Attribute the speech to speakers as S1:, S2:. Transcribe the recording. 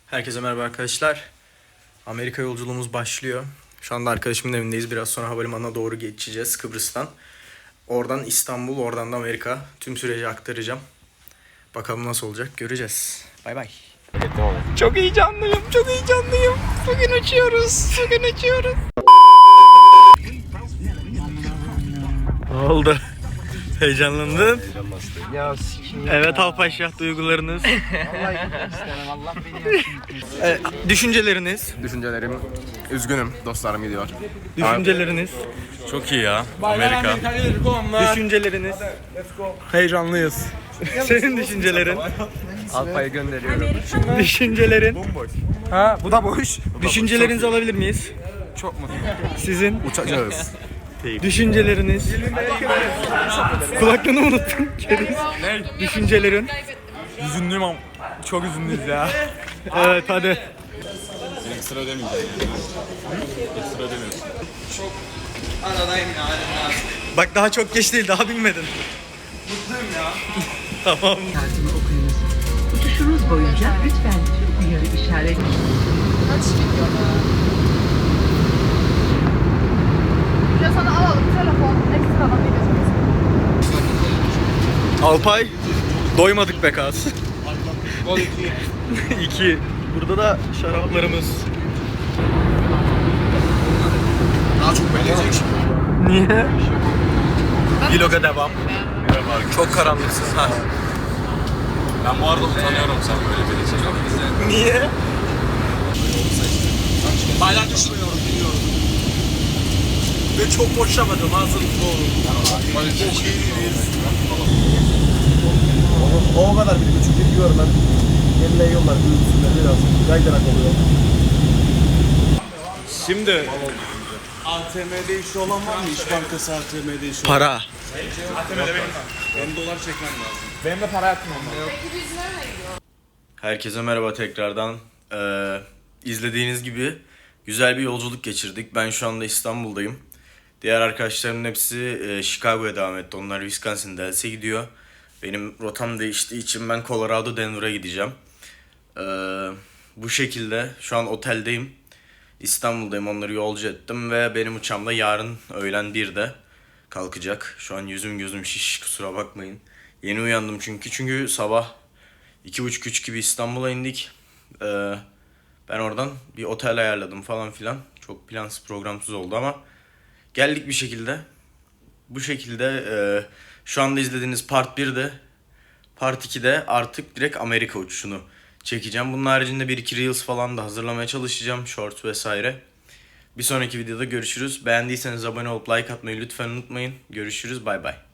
S1: Herkese merhaba arkadaşlar. Amerika yolculuğumuz başlıyor. Şu anda arkadaşımın evindeyiz. Biraz sonra havalimanına doğru geçeceğiz Kıbrıs'tan. Oradan İstanbul, oradan da Amerika. Tüm süreci aktaracağım. Bakalım nasıl olacak göreceğiz. Bay bay. Çok heyecanlıyım, çok heyecanlıyım. Bugün uçuyoruz, bugün uçuyoruz. Ne oldu? Heyecanlandın?
S2: Ya sikiyim.
S1: Evet Alpaşa, duygularınız.
S2: Vallahi istemem. Allah beni yapsın.
S1: Düşünceleriniz.
S3: Düşüncelerim, üzgünüm dostlarım gidiyor.
S1: Düşünceleriniz.
S3: Çok iyi ya, Amerika.
S1: Düşünceleriniz.
S3: Heyecanlıyız.
S1: Senin düşüncelerin.
S3: Alpa'yı gönderiyorum.
S1: Düşüncelerin.
S3: Ha, bu da boş.
S1: Düşüncelerinizi alabilir miyiz?
S3: Çok mu?
S1: Sizin
S3: Uçacağız.
S1: düşünceleriniz. Kulaklığını unuttum.
S3: Ne?
S1: Düşüncelerin.
S3: Üzünlüyüm ama çok üzünlüyüz ya.
S1: Evet hadi.
S3: Ekstra ödemeyeceğim. Ekstra ödemiyorsun.
S1: Bak daha çok geç değil, daha binmedin.
S3: Mutluyum ya.
S1: Tamam.
S4: Kartını okuyunuz. Uçuşunuz boyunca lütfen tüm uyarı işaret.
S5: Ya sana alalım telefon ekstradan ne gözüküyorsun?
S1: Alpay, doymadık be Kaz. 2. Burada da şaraplarımız.
S3: Daha çok beğenecek.
S1: Niye? Vloga devam. Çok karanlıksın ha.
S3: Ben bu arada utanıyorum sen böyle bir şey.
S1: Niye?
S3: Hala düşünmüyorum, biliyorum.
S1: Ve çok boşlamadım hazırlıklı olun.
S3: Çok iyiyiz.
S2: O kadar bir buçuk gidiyorum ben. Yerine yollar büyüsünler biraz. Kaydırak oluyor.
S3: Şimdi ATM'de işi olan var mı? İş Bankası ATM'de işi olan.
S1: Para.
S3: Benim dolar çekmem lazım.
S2: Benim de para yatmam lazım.
S1: Herkese merhaba tekrardan. İzlediğiniz gibi güzel bir yolculuk geçirdik. Ben şu anda İstanbul'dayım. Diğer arkadaşlarımın hepsi Chicago'ya devam etti. Onlar Wisconsin Dells'e gidiyor. Benim rotam değiştiği için ben Colorado Denver'a gideceğim. Bu şekilde şu an oteldeyim. İstanbul'dayım, onları yolcu ettim ve benim uçağım da yarın öğlen 1'de kalkacak. Şu an yüzüm gözüm şiş, kusura bakmayın. Yeni uyandım çünkü sabah 2.30-3 gibi İstanbul'a indik. Ben oradan bir otel ayarladım falan filan. Çok plansız programsız oldu ama geldik bir şekilde. Bu şekilde şu anda izlediğiniz Part 1'de, Part 2'de artık direkt Amerika uçuşunu çekeceğim. Bunun haricinde 1-2 Reels falan da hazırlamaya çalışacağım. Shorts vesaire. Bir sonraki videoda görüşürüz. Beğendiyseniz abone olup like atmayı lütfen unutmayın. Görüşürüz. Bay bay.